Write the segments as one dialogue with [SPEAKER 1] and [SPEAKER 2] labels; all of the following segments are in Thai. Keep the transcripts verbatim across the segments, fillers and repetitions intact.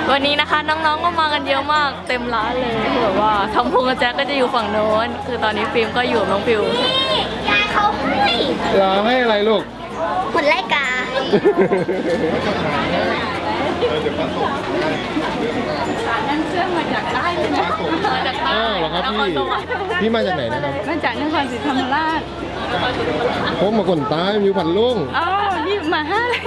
[SPEAKER 1] วันนี้นะคะน้องๆก็มากันเยอะมากเต็มร้านเลยคือแบบว่าทำพวงกับแจ๊กก็จะอยู่ฝั่งโน้นคือตอนนี้ฟิล์มก็อยู่น้องฟิว
[SPEAKER 2] ยายเขาให้
[SPEAKER 3] รอให้อะไรลูก
[SPEAKER 2] ผลไล่กานั่นเชื่อมาจากใต้เลยนะมาจากใต้
[SPEAKER 3] อ้าวเหรอครับพี่พี่มาจากไหนนะครับ
[SPEAKER 2] มาจากนครศรีธรรมราช
[SPEAKER 3] ผมมาคนใต้อยู่พันลุง
[SPEAKER 2] อ๋อนี่มาห้าเลย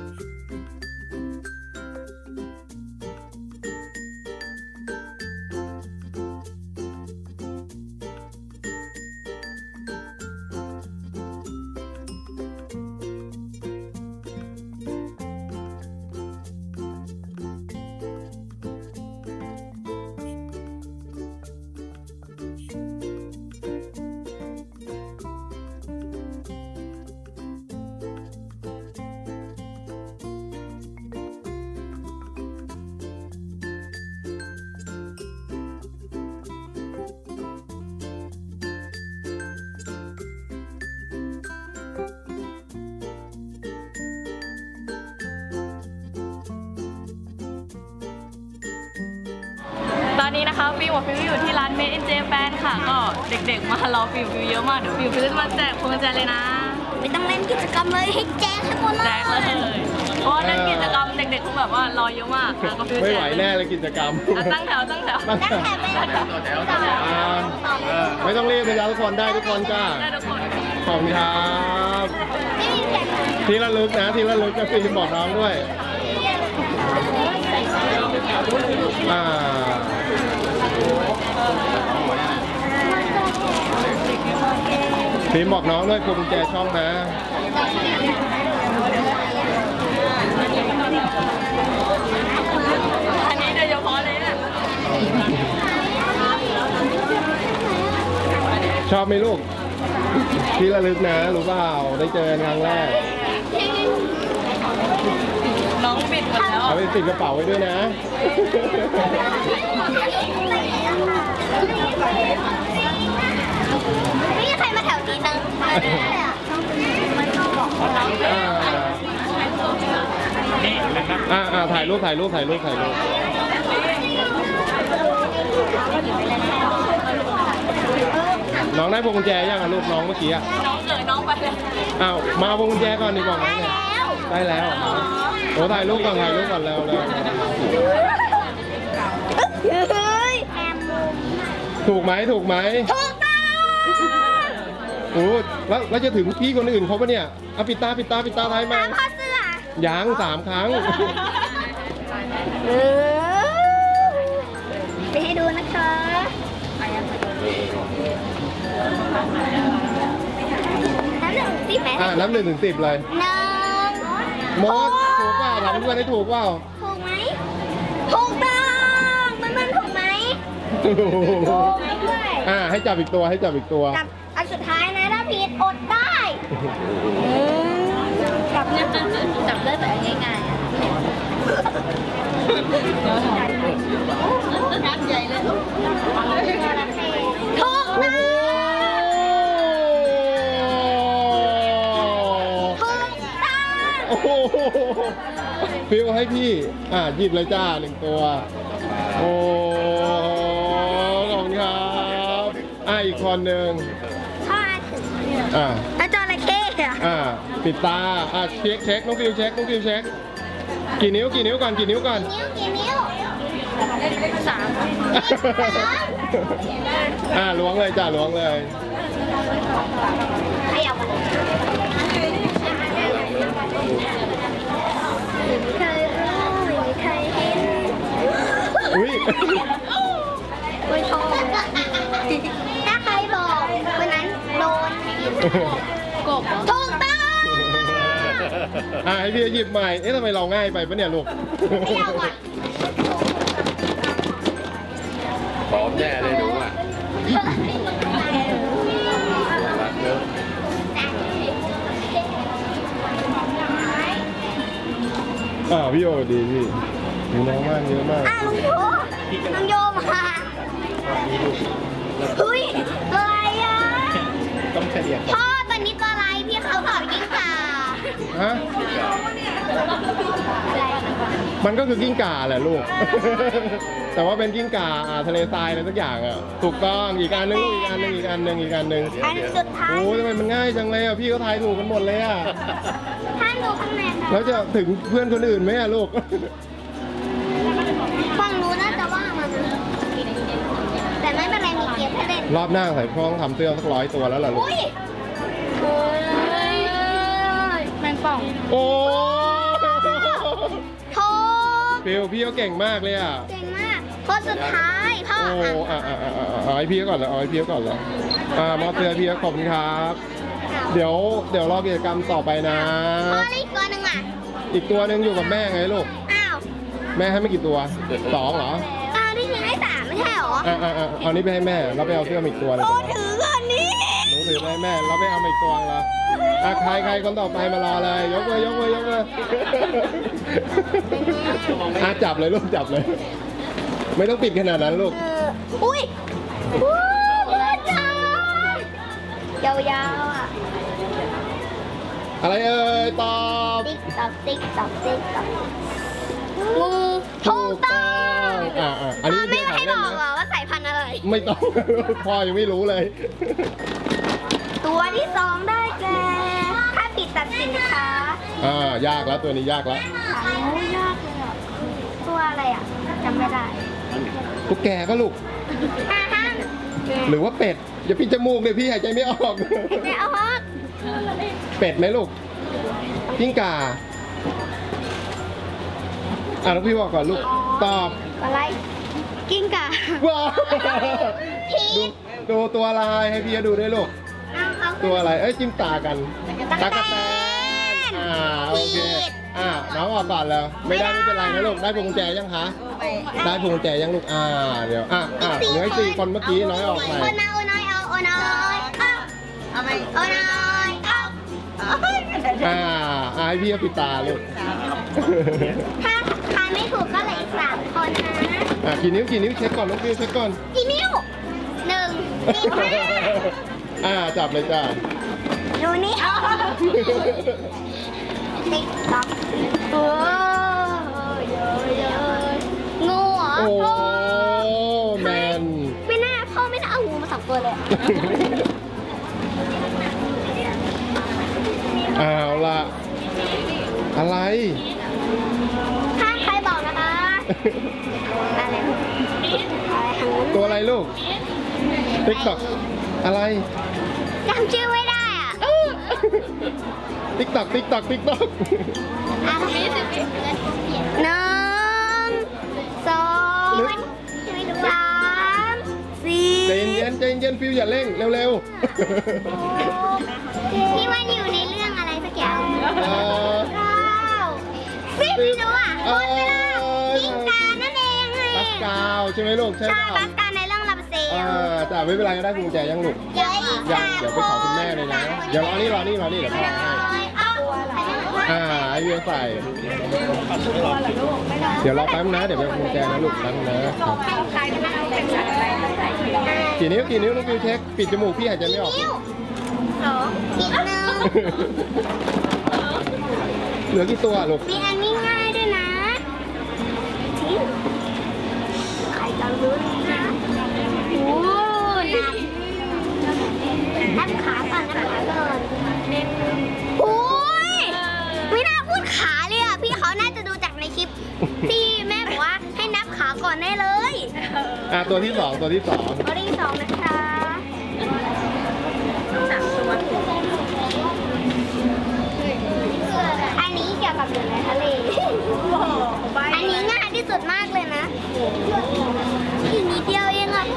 [SPEAKER 1] ตอนนี้นะคะฟิวกับฟิวอยู่ที่ร้าน Made in Japan ค่ะก็เด็กๆมารอฟิวฟิวเยอะมากเดี๋ยวฟิวฟิวจะมาแจกพวงกุญแจเลยนะ
[SPEAKER 2] ไม่ต้องเล่นกิจกรรมเลยให้แจ้งให้หมดเลย
[SPEAKER 1] แจกเลยเพราะว่าเล่นกิจกรรมเด็กๆคงแบบว่ารอเยอะมากแล้วก็ฟิว
[SPEAKER 3] ไม่
[SPEAKER 1] แจ
[SPEAKER 3] ไหว
[SPEAKER 1] ก
[SPEAKER 3] แน่เลยกิจกรรม
[SPEAKER 1] อ่ะตั้งแถวตั้งแถว
[SPEAKER 3] ตั้ง
[SPEAKER 2] ตั้งแต่ไม่ได้ต่อแถว
[SPEAKER 3] อ่าไม่ต้องรีบนะจ๊ะทุกคนได้ทุกคนจ้า
[SPEAKER 1] ได้ทุกคน
[SPEAKER 3] ขอบคุณครับ
[SPEAKER 2] ไม่มีเสียง
[SPEAKER 3] ทีละลึกนะทีละลึกจะฟิล์มบอกน้องด้วยอ่าฟิล์มบอกน้องด้วยกุญแจช่องนะ
[SPEAKER 1] อันนี้โดยเฉพาะเลยเนี่ย
[SPEAKER 3] ชอบไหมลูกทีละลึกนะรู้เปล่าได้เจอกันครั้งแรก
[SPEAKER 1] น้องปิดหมดแล้ว
[SPEAKER 3] เอาไปติดกระเป๋าไว้ด้วยนะ
[SPEAKER 2] ไม่มีใครมาแถวนี้ตั้งเลยอ่ะ
[SPEAKER 3] อ่าอ่าถ่ายรูปถ่ายรูปถ่ายรูปถ่ายรูปน้องได้พวงกุญแจยังอ่ะลูกน้องเมื่อกี้อ่ะ
[SPEAKER 1] น้องเอ๋ยน้องไปเลย
[SPEAKER 3] อ้าวมาเอาพวงกุญแจก่อนดีบอกน้องเนี่ยได้แล้วโอ้ถ่ายรูปก่อนถ่ายรูปก่อนแล้วแล้ว
[SPEAKER 2] เฮ้ยแอมมุม
[SPEAKER 3] ถูกไหมถูกไหม
[SPEAKER 2] ถูกต้อง
[SPEAKER 3] โอ้แล้วแล้วจะถึงพี่คนอื่นเขาปะเนี่ยเอาปิดตาปิดตาปิดตาท้ายมา
[SPEAKER 2] ตามข้อเสื้อ
[SPEAKER 3] ยังสามครั้ง
[SPEAKER 2] เออไปให้ดูนะคะน้ำหนึ่งสิบไหม
[SPEAKER 3] อ่านับหนึ่งถึงสิบเลย
[SPEAKER 2] หนึ่ง
[SPEAKER 3] มดถูกเปล่าถามเพื่อนให้ถูกเปล่า
[SPEAKER 2] ถูกไหมถูกต้องมันมันถูกไหมถูกด้วย
[SPEAKER 3] อ่าให้จับอีกตัวให้จับอีกตัว
[SPEAKER 2] จับอันสุดท้ายนะถ้าผิดอดได้จับเนี่ยจับได้แบบง่ายๆอ่ะนัดใหญ่เลยถูกต้องถูกต้อง
[SPEAKER 3] โอ้โหฟิวให้พี่ อ่าหยิบเลยจ้าหนึ่งตัว โอ้ขอบคุณครับอ่าอีกคนหนึ่ง
[SPEAKER 2] ข้อถึง
[SPEAKER 3] อ่า
[SPEAKER 2] แล้วจระเข้อะ
[SPEAKER 3] อ่า ปิดตา อ่าเช็คเช็คน้องฟิวเช็คน้องฟิวเช็ค กี่นิ้วกี่นิ้วก่อนกี่นิ้วก่อน
[SPEAKER 2] นิ้วกี่นิ้วสาม
[SPEAKER 3] อ่าล้วงเลยจ้าล้วงเลย
[SPEAKER 2] ขยับเคยรู้เคยเห็น
[SPEAKER 3] อุ้ย
[SPEAKER 2] คุยโทรถ้าใครบอกคนนั้นโดนกบถูกต้อง
[SPEAKER 3] อ่าให้พี่หยิบใหม่ เอ๊ะทำไมเราง่ายไปปะเนี่ยลูก
[SPEAKER 2] ไม่เอาอ่ะ
[SPEAKER 4] พร้อมแน่เลยหนูอ่ะ
[SPEAKER 3] อ่าพี่โอดีพี่มีน้องมากเยอะมาก
[SPEAKER 2] อ่ะลุงโยลุงโยมาเฮ้ยอะไรอ่ะ
[SPEAKER 3] ต้องเฉลี่ย
[SPEAKER 2] พ่อตอนนี้ตัวอะไรพี่เขาเผายิ่งกว่า
[SPEAKER 3] ฮะ
[SPEAKER 2] อะไร
[SPEAKER 3] มันก็คือกิ้งก่าแหละลูก แต่ว่าเป็นกิ้งก่าอ่าทะเลทรายอะไรสักอย่างอ่ะถูกต้องอีกอันนึงอีกอันนึงอีกอันนึงอีกอันนึง
[SPEAKER 2] อันสุดท้าย
[SPEAKER 3] โอ้ยทำไมมันง่ายจังเลยอ่ะพี่เขาทายถูกกันหมดเลยอ่ะ
[SPEAKER 2] ถ้าดูข้างในค่ะ
[SPEAKER 3] แล้วจะถึงเพื่อนคนอื่นไหมอ่ะลูก
[SPEAKER 2] ฟังรู้น่าจะว่ามันแต่ไม่เป็นไรมีเกมให้เล่น
[SPEAKER 3] รอบหน้าใส่พ้องทำเสื้อสักร้อยตัวแล้วล่ะลูก
[SPEAKER 2] อุ้ยเฮ้ย
[SPEAKER 1] แมงป่อง
[SPEAKER 3] โอ้
[SPEAKER 2] โทษ
[SPEAKER 3] ฟิวพี่เขาเก่งมากเลยอ่ะ
[SPEAKER 2] เก่งมากคนสุดท้ายพ่อ
[SPEAKER 3] โอ้
[SPEAKER 2] อ่ะ
[SPEAKER 3] อ่ะอ่ะอ่ะอ่ะเอาให้พี่เขาก่อนเลยเอาให้พี่เขาก่อนเลยอ่ามอบเสื้อพี่เขาขอบคุณครับ เดี๋ยวเดี๋ยวรอกิจกรรมต่อไปนะ
[SPEAKER 2] พ่อเล่นตัวหนึ่งอ่ะ
[SPEAKER 3] อีกตัวหนึ่งอยู่กับแม่ไงลูก
[SPEAKER 2] อ้าว
[SPEAKER 3] แม่ให้ไม่กี่ตัวสองเหรอ
[SPEAKER 2] อ้าวที่จริงให้สามไม่ใช่เหรอ
[SPEAKER 3] อ่ะอ่ะอ่ะเอานี้ไปให้แม่เราไปเอาเสื้อมาอีกตัวหนึง
[SPEAKER 2] โอ้ถือเงินนี้
[SPEAKER 3] หนูถือไปให้แม่เราไปเอามาอีกตัวละอ่ะใครใครคนต่อไปมารอเลยยกเลยยกเลยยกเลยอ่ะจับเลยลูกจับเลย ไม่ต้องปิดขนาดนั้นลูก
[SPEAKER 2] เอออุ้ยวู้จ้ายาวๆอ่ะ
[SPEAKER 3] อะไรเอ่ยตอบ
[SPEAKER 2] ติ๊กตอกติ๊กตอกติ๊กตอกงูถูกต้อง
[SPEAKER 3] อ่ะอ่ะอันนี้
[SPEAKER 2] ไม่
[SPEAKER 3] เป็น
[SPEAKER 2] ให้
[SPEAKER 3] เรื่
[SPEAKER 2] บ
[SPEAKER 3] อง
[SPEAKER 2] อ
[SPEAKER 3] ข
[SPEAKER 2] ก
[SPEAKER 3] อง
[SPEAKER 2] เหร
[SPEAKER 3] เล่นนะ
[SPEAKER 2] อว่าสายพันธุ์อะไร
[SPEAKER 3] ไม่ต้อง พ่อยังไม่รู้เลย
[SPEAKER 2] ตัวที่สองได้แก่ถ้าปิดตัดสินค้า
[SPEAKER 3] อ่ายากแล้วตัวนี้ยากแล้ว
[SPEAKER 2] โอ้ยากเลยอ่ะตัวอะไรอ่ะจำไม่ได้
[SPEAKER 3] ตุ๊กแกก็ลูก
[SPEAKER 2] ห้าห้าม
[SPEAKER 3] หรือว่าเป็ดอย่าปิดจมูกเลยพี่หายใจไม่ออก
[SPEAKER 2] ไม่เอาฮอก
[SPEAKER 3] เป็ดไหมลูกกิ้งก่าอ่ะแล้วพี่บอกก่อนลูกตอบ
[SPEAKER 2] อะไรกิ้งก่า
[SPEAKER 3] ว้าว
[SPEAKER 2] พี
[SPEAKER 3] ดู
[SPEAKER 2] ช
[SPEAKER 3] ดูตัวอะไรให้พี่ดูด้วยลูก
[SPEAKER 2] เอาเอา
[SPEAKER 3] ตัวอะไรเอ้ยจิ้มตากัน
[SPEAKER 2] ตั๊กแตน
[SPEAKER 3] แตนอ่าโอเค
[SPEAKER 2] ผิด
[SPEAKER 3] อ่าน้องออกก่อนแล้ว ไม่ได้ไม่เป็นไรนะลูกได้พวงกุญแจยังคะได้พวงกุญแจยังลูกอ่าเดี๋ยวอ่ะอ่ะเหลืออีกสี่คนเมื่อกี้น้อยออกไป
[SPEAKER 2] โอน้อยโอน้อยเอาโอน้อยเอาเอาไปโอน้อยเอา
[SPEAKER 3] อ่าอ่าให้พี่เอาปิดตาลูก
[SPEAKER 2] ถ้าทายไม่ถูกก็เหลืออีกสามคนนะ
[SPEAKER 3] อ่ะกี่นิ้วกี่นิ้วเช็คก่อนน้องฟิวเช็คก่อน
[SPEAKER 2] กี่นิ้วหนึ่งสี่ห้า
[SPEAKER 3] อ่าจับเลยจ้า
[SPEAKER 2] ดูนี่เอาติ๊กต๊อกโอ้ยเยอะเยอะงูเหรอ
[SPEAKER 3] โอ้
[SPEAKER 2] พ่อ
[SPEAKER 3] แมน
[SPEAKER 2] ไม่น่าพ่อไม่น่าเอางูมาสองตัวเลยอะ
[SPEAKER 3] เอาล่ะ อะไร
[SPEAKER 2] ถ้าใครบอกนะคะ อะไรอะไรทางนู้น
[SPEAKER 3] ตัวอะไรลูกติ๊กต็อกอะไร
[SPEAKER 2] จำชื่อไม่ได้อ่ะ
[SPEAKER 3] ติ๊กต็อกติ๊กต็อกติ๊กต็อก
[SPEAKER 2] อ่ะมีสิบหนึ่งสองสามสี่
[SPEAKER 3] ใจเย็นใจเย็นฟิวอย่าเร่งเร็ว
[SPEAKER 2] ที่มันอยู่ในเรื่องอะไรสักอย่าง
[SPEAKER 3] ๆเอ่อ
[SPEAKER 2] เก้าสิบไม่รู้อ่ะหมดเวลากิ้งกานั่นเองไง
[SPEAKER 3] ปัสกาวใช่ไหมลูกใช่
[SPEAKER 2] ใช่
[SPEAKER 3] เปล่า
[SPEAKER 2] ปัสกาในเรื่องลาบเซล
[SPEAKER 3] อ่าจ้าไม่เป็นไรก็ได้กุญแจยังลูก
[SPEAKER 2] เยอะอีก
[SPEAKER 3] ยัง
[SPEAKER 2] สาม
[SPEAKER 3] เดี๋ยว
[SPEAKER 2] ค
[SPEAKER 3] ไปขอคุณแม่เลยนะ เดี๋ยวรอนี่รอนี่รอนี่เดี๋ยวพ่อให้
[SPEAKER 2] เอา
[SPEAKER 3] อ่าไอเวียใส่ เดี๋ยวรอแป๊บนะ เดี๋ยวไปเอากุญแจนะลูกแป๊บนะ
[SPEAKER 2] ใครเป็นเป็นสัตว์อะไร
[SPEAKER 3] กี่นิ้วกี่นิ้วน้องฟิวเช็คปิดจมูกพี่หายใจไม่ออก
[SPEAKER 2] นิ้วสองอีกหนึ่ง
[SPEAKER 3] เหลือกี่ตัวลูก
[SPEAKER 2] มีอันนี้ง่ายด้วยนะใครจะรู้นะโอ้นับนับขาก่อนนับขาก่อนโอ้ยไม่น่าพูดขาเลยอ่ะ พี่เขาน่าจะดูจากในคลิป ที่แม่บอกว่าให้นับขาก่อนได้เลย
[SPEAKER 3] อ่าตัวที่สองตัวที่สอง
[SPEAKER 2] ข้อที่สองนะคะสามตัวอันนี้เกี่ยวกับอยู่ในทะเล อันนี้ง่ายที่สุดมากเลยนะอีกนิดเดียวเองอ่ะ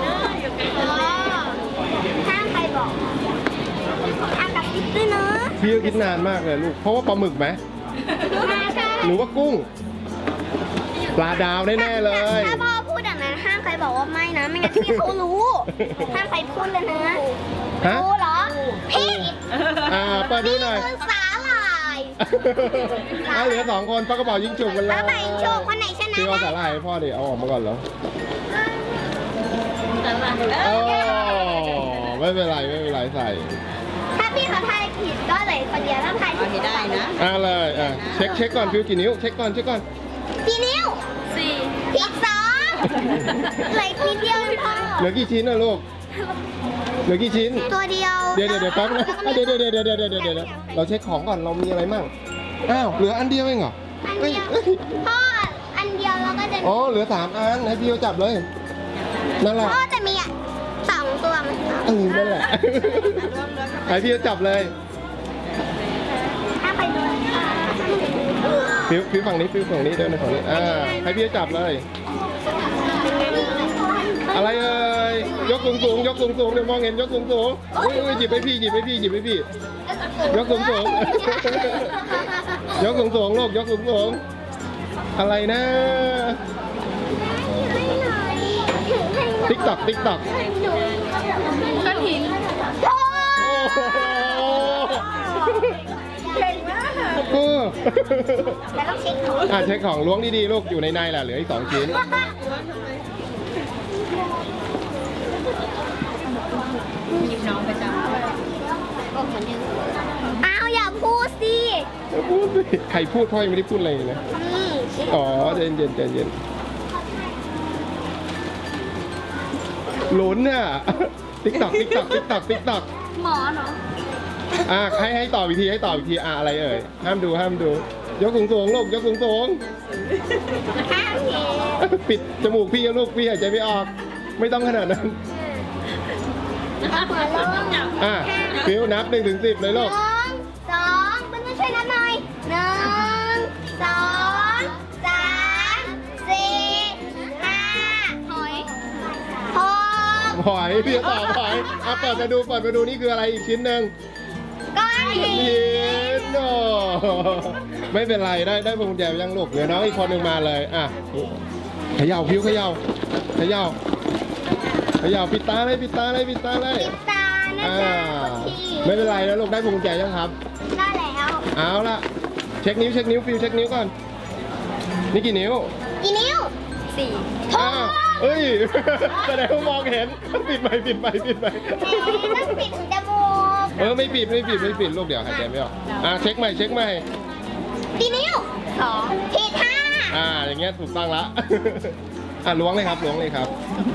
[SPEAKER 2] ห้ามใครบอกห้ามกับซิปด้วยเนอะ
[SPEAKER 3] พี่ก็คิดนานมากเลยลูก เพราะว่าปลาหมึกไหม
[SPEAKER 2] ใช่
[SPEAKER 3] หรือว่ากุ้ง ปลาดาวแน่ๆเลย
[SPEAKER 2] ถ้าพ่อพูดอย่างนั้นห้ามใครบอกว่าไม่นะ ไม่งั้นพี่เขารู้ ห้ามใครพูดเลยนะ
[SPEAKER 3] ฮะ
[SPEAKER 2] รู้เหรอพี่
[SPEAKER 3] อ่าเปิดดูหน่อย
[SPEAKER 2] คือสาหร่าย
[SPEAKER 3] อ่าเหลือสองคนปลากระเป๋ายิงจุกกันแล้
[SPEAKER 2] แล้ว วไหนโชว์คนไหนชนะ
[SPEAKER 3] พี่เอาสา
[SPEAKER 2] นะ
[SPEAKER 3] หร่ายให้พ่อดิเอาออกมาก่อนเหรอโอ้ไม่เป็นไรไม่เป็นไรใส่
[SPEAKER 2] ถ้าพี่เขาทายผิดก็เหลยคนเดียวถ้าทายถูกได้นะ
[SPEAKER 3] อ่าเลยอ่ะเช็คเช็คก่อนฟิวกี่นิ้วเช็คก่อนเช็คก่อน
[SPEAKER 2] กี่นิ้ว
[SPEAKER 1] สี่
[SPEAKER 2] อีกสองเหลืออีกนิดเดียวเองพ่อ
[SPEAKER 3] เหลือกี่ชิ้นนะลูก เหลือกี่ชิ้น
[SPEAKER 2] ตัวเดียว
[SPEAKER 3] เดี๋ยวเดี๋ยวเดี๋ยวแป๊บนะเดี๋ยวเดี๋ยวเดี๋ยวเดี๋ยวเดี๋ยวเดี๋ยวเดี๋ยวเราเช็คของก่อน เรามีอะไรมั่ง อ้าว เหลืออันเดียวเองเหรอ
[SPEAKER 2] อัน
[SPEAKER 3] เฮ้ย
[SPEAKER 2] เดียว
[SPEAKER 3] เฮ้ย
[SPEAKER 2] พ่ออันเดียวเราก็จะ
[SPEAKER 3] อ๋อ เหลือสามอัน ให้พี่เขาจับเลย นั่นแหละ
[SPEAKER 2] พ่อจะมีอ่ะสองตัวมัน
[SPEAKER 3] เออ นั่นแหละ ให้พี่เขาจับเลย
[SPEAKER 2] ถ้าไปดู
[SPEAKER 3] ฟิวฟิวฝั่งนี้ฟิวฝั่งนี้เดินในฝั่งนี้ อ่า ให้พี่เขาจับเลย อะไรเอ่ย ยกสูงสูงยกสูงสูงเดี๋ยวมองเห็นยกสูงสูงอุ้ยอุ้ยหยิบไปพี่หยิบไปพี่หยิบไปพี่ ยกสูงสูง ยกสูงสูงลูกยกสูงสูงอะไรนะ ติ๊กตอกติ๊กตอก
[SPEAKER 1] ก้อนหิน
[SPEAKER 2] โอ้
[SPEAKER 3] โอ้โห
[SPEAKER 2] เก่งมาก
[SPEAKER 3] เออ
[SPEAKER 2] แล้วต้องเช็คของ
[SPEAKER 3] อ่ะเช็คของล้วงดีๆลูกอยู่ในในแหละเหลืออีกสองชิ้น
[SPEAKER 1] หยิบน้องไปจับ
[SPEAKER 2] อ้าวอย่าพูดสิ
[SPEAKER 3] พูดสิใครพูดพ่อยังไม่ได้พูดอะไรเลยนะ
[SPEAKER 2] นี่
[SPEAKER 3] อ๋อใจเย็นใจเย็นลุ้นน่ะติ๊กตอกติ๊กตอกติ๊กตอกติ๊กตอก
[SPEAKER 1] หมอเนาะ
[SPEAKER 3] อ่ะให้ให้ตอบอีกทีให้ตอบอีกทีอ่ะอะไรเอ่ยห้ามดูห้ามดู ยกสูงสูงลูกยกสูงสูง
[SPEAKER 2] ข้าวเย็น
[SPEAKER 3] ปิดจมูกพี่ลูกพี่หายใจไม่ออก ไม่ต้องขนาดนั้น
[SPEAKER 2] หัวลง
[SPEAKER 3] อ่ะฟิวนับหนึ่งถึงสิบเลย
[SPEAKER 2] ห
[SPEAKER 3] ลู
[SPEAKER 2] นึ่
[SPEAKER 3] ก
[SPEAKER 2] งสองเพื่อนๆช่วยนับหน่อยหนึ่งสองสามสี่ห้าหอยหก
[SPEAKER 3] หอยพี่ตอบหอยอ่ะเปิดมาดูเปิดมาดูนี่คืออะไรอีกชิ้นหนึ่ง
[SPEAKER 2] ก้อนหิน
[SPEAKER 3] หินโอ้ไม่เป็นไรได้ได้พวงกุญแจยังลูกเดี๋ยวน้องอีกคนหนึ่งมาเลยอ่ะเขย่าพิวเขย่าเขย่าเขย่าปิดตาเลยปิดตาเลยปิดตาเลย
[SPEAKER 2] ปิดตานะ
[SPEAKER 3] อ่า
[SPEAKER 2] จ๊ะที
[SPEAKER 3] ไม่เป็นไรนะลูกได้พวงกุญแจยังครับ
[SPEAKER 2] ได้แล้ว
[SPEAKER 3] เอาละเช็คนิ้วเช็คนิ้วฟิวเช็คนิ้วก่อนนี่กี่นิ้ว
[SPEAKER 2] กี่นิ้ว
[SPEAKER 1] สี่
[SPEAKER 3] อ้าวเอ้ยแสดงว่ามองเห็นปิดไปปิดไปปิดไป
[SPEAKER 2] เอ๊ะต้องปิดถึงจมูก
[SPEAKER 3] เออไม่ปิดไม่ปิดไม่ปิดลูกเดี๋ยวหายใจไม่ออกอ่ะเช็คใหม่เช็คใหม่
[SPEAKER 2] กี่นิ้ว
[SPEAKER 1] สอง
[SPEAKER 2] ผิดห้า
[SPEAKER 3] อ่าอย่างเงี้ยถูกต้องละ อ่ะล้วงเลยครับล้วงเลยครับ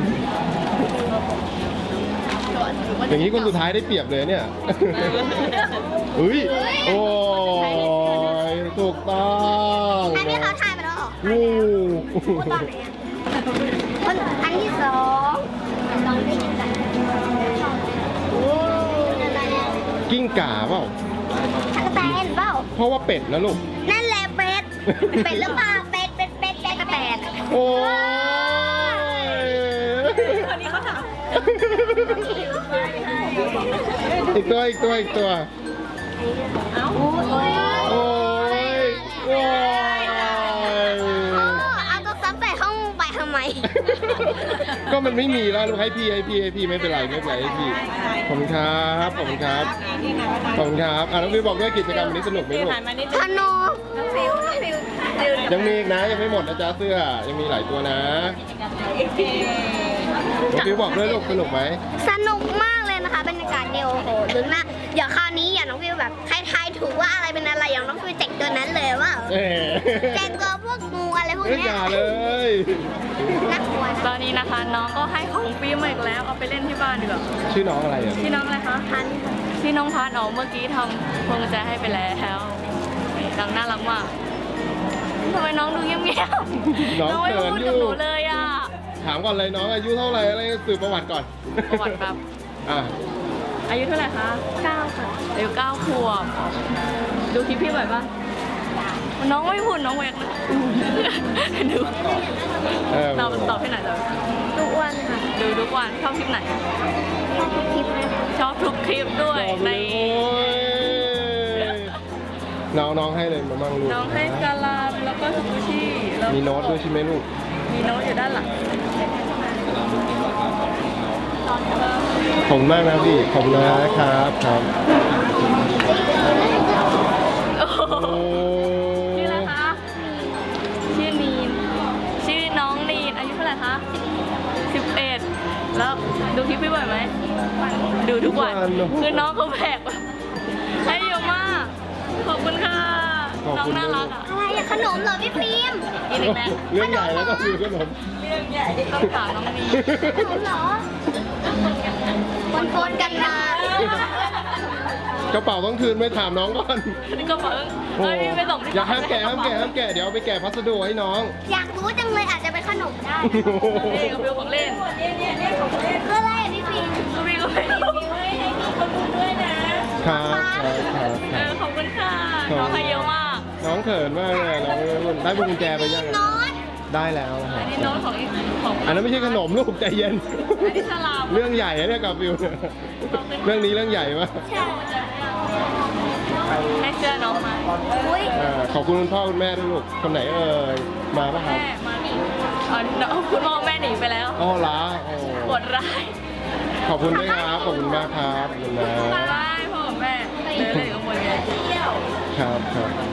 [SPEAKER 3] อย่างนี้คนสุดท้ายได้เปรียบเลยเนี่ย เฮ้ยโอ้ยถูกต้อง
[SPEAKER 2] อันนี้เขาถ่ายมาแล้วเหรอ
[SPEAKER 3] งู
[SPEAKER 2] พูดตอนไหนอ่ะคนอันที่สองลองได้ยินกันโอ้อะไรอ่ะ
[SPEAKER 3] กิ้งก่าเปล่า
[SPEAKER 2] ตั๊กแตนเปล่า
[SPEAKER 3] เพราะว่าเป็ดนะลูก
[SPEAKER 2] นั่นแหละเป็ด เป็ดหรือเปล่า เป็ด เป็ด เป็ด เป็ดแตน
[SPEAKER 3] โอ้ย
[SPEAKER 1] คนนี้เขาถาม
[SPEAKER 3] อีกตัวอีกตัวอีกตัว
[SPEAKER 1] เอ้า
[SPEAKER 3] โอ้ยโอ้ย
[SPEAKER 2] เอาตัวซ้ำใส่ห้องไปทำไม
[SPEAKER 3] ก็มันไม่มีแล้วลูกให้พี่ให้พี่ให้พี่ไม่เป็นไรไม่เป็นไรให้พี่ขอบคุณครับขอบคุณครับขอบคุณครับอ่ะน้องฟิวบอกด้วยกิจกรรมวันนี้สนุกไหมลูก
[SPEAKER 1] หันมานิด
[SPEAKER 2] ธ
[SPEAKER 1] นึง
[SPEAKER 2] นู
[SPEAKER 1] น้องฟิวน้องฟิวฟิว
[SPEAKER 3] ยังมีอีกนะยังไม่หมดนะจ๊ะเสื้อยังมีหลายตัวนะน้องฟิวบอกด้วยลูกสนุกไหม
[SPEAKER 2] สนุกมากเลยนะคะบรรยากาศเนี่ยโอ้โหลุ้นมากเดี๋ยวคราวนี้อย่าน้องฟิวแบบใครทายถูกว่าอะไรเป็นอะไรอย่างน้องฟิวแจกตัวนั้นเลยว่า
[SPEAKER 3] เอ๊ะ
[SPEAKER 2] แจกตัวพวกงูอะไรพวก
[SPEAKER 3] เอ้ย
[SPEAKER 2] เนี้
[SPEAKER 3] อย ย่าเลย
[SPEAKER 2] น่ากลัว
[SPEAKER 1] ตอนนี้นะคะน้องก็ให้ของฟิล์มมาอีกแล้วเอาไปเล่นที่บ้านดีกว่า
[SPEAKER 3] ชื่อน้องอะไรอ่ะ
[SPEAKER 1] ชื่อน้องอะไรคะพันชื่อน้องพันอ๋อเมื่อกี้ทำพวงกุญแจให้ไปแล้วนี่น้องน่ารักมากทำไมน้องดูเงียบๆ
[SPEAKER 3] น้อง
[SPEAKER 1] น้องไม่
[SPEAKER 3] เขิ
[SPEAKER 1] พู
[SPEAKER 3] น
[SPEAKER 1] ด
[SPEAKER 3] อ
[SPEAKER 1] กับ
[SPEAKER 3] ยู่
[SPEAKER 1] หนูเลยอ่ะ
[SPEAKER 3] ถามก่อนเลยน้องอายุเท่าไหร่อะไรสืบประวัติก่อน
[SPEAKER 1] ประวัติแบบ
[SPEAKER 3] อ่ะ
[SPEAKER 1] อายุเท่าไหร่คะเก้าค่ะอายุเก้าขวบดูคลิปพี่บ่อยปะน้องไม่พูดน้องเวกนะดู
[SPEAKER 3] เออ
[SPEAKER 1] เราตอบที่ไหนตอบ
[SPEAKER 2] ทุกวันค่ะ
[SPEAKER 1] ดูทุกวันชอบคลิปไหน
[SPEAKER 2] คลิปนะ
[SPEAKER 1] ชอบทุกคลิปด้วย
[SPEAKER 3] บอก
[SPEAKER 1] ใน
[SPEAKER 3] เลยโอ้ยน้องน้องให้เลยมามั่งลูก
[SPEAKER 1] น้องให้กาลามแล้วก็ซูชิแล้ว
[SPEAKER 3] มีโน้ตด้วยใช่ไหมลูก
[SPEAKER 1] มีโน้ตอยู่ด้านหลัง
[SPEAKER 3] ขอบคุณมากนะพี่ขอบคุณนะครับครับ
[SPEAKER 1] โอ้โห
[SPEAKER 3] โอ้
[SPEAKER 1] ชื่ออะไรคะชื่อนีนชื่อน้องนีนอายุเท่าไหร่คะสิบเอ็ดแล้วดูคลิปพี่บ่อยไหมดูทุกวันคือน้องเขาแบกให้เยอะมากขอบคุณค่ะ
[SPEAKER 3] ขอบ
[SPEAKER 1] น้อง
[SPEAKER 3] คุณ
[SPEAKER 1] น่ารักอ่ะ
[SPEAKER 2] อะไรอะขนมเหรอพี่ฟิล์ม
[SPEAKER 1] กินอีกแล้ว
[SPEAKER 3] เรื่องใหญ่แล้วก็คือขนม
[SPEAKER 1] เรื่องใหญ่ต้องถามน้องนี
[SPEAKER 2] ขนมเหรอปนๆกันมาก
[SPEAKER 3] ระเป๋าต้องคืนไม่ถามน้องก่อน
[SPEAKER 1] นี่ก็เพิ่ง
[SPEAKER 3] โอ้
[SPEAKER 1] เฮ้ยพี่ไปส่งที่
[SPEAKER 3] อย่าห้ามแกะห้ามแกะห้ามแกะเดี๋ยวเอาไปแกะพัสดุให้น้อง
[SPEAKER 2] อยากรู้จังเลยอาจจะเป็นขนมได้
[SPEAKER 1] นี่ก็เป็นของเล่น
[SPEAKER 2] คืออะไรอะพี่ฟิล์ม
[SPEAKER 1] ก็พี่ก็ไม่ให้พี่ให้พี่คนดูด้วยนะครับ
[SPEAKER 3] ครับครับ
[SPEAKER 1] เออขอบคุณค่ะน้องให้เยอะมาก
[SPEAKER 3] น้องเขินมากเลยน้องได้พวงกุญแจไปยัง
[SPEAKER 2] โน้ต
[SPEAKER 3] ได้แล้วนะค
[SPEAKER 1] อั
[SPEAKER 3] รับ
[SPEAKER 1] นนี้โน้ตของอีกของ
[SPEAKER 3] อันนั้นไม่ใช่ขนมลูกใจเย็น
[SPEAKER 1] อันนี้ฉลาม
[SPEAKER 3] เรื่องใหญ่นะเนี่ยกับฟิวเนี่ยเรื่องนี้เรื่องใหญ่มาก
[SPEAKER 2] ใช่
[SPEAKER 1] ให้เสื้อน้องมา
[SPEAKER 2] อุ้ย
[SPEAKER 3] อ่าขอบคุณคุณพ่อคุณแม่ด้วยลูกคนไหนเอ่ยมาปะครับ
[SPEAKER 1] แม่มานี่อ๋อน้องคุณพ่อแม่หนีไปแล้ว
[SPEAKER 3] อ๋อเหรอโอ้
[SPEAKER 1] ปวดร้าย
[SPEAKER 3] ขอบคุณด้วยครับขอบคุณมากครับขอบคุณนะ
[SPEAKER 1] บายพ่อกับแม่เดินเล่นกับคนใหญ่เที่ยว
[SPEAKER 3] ครับครับ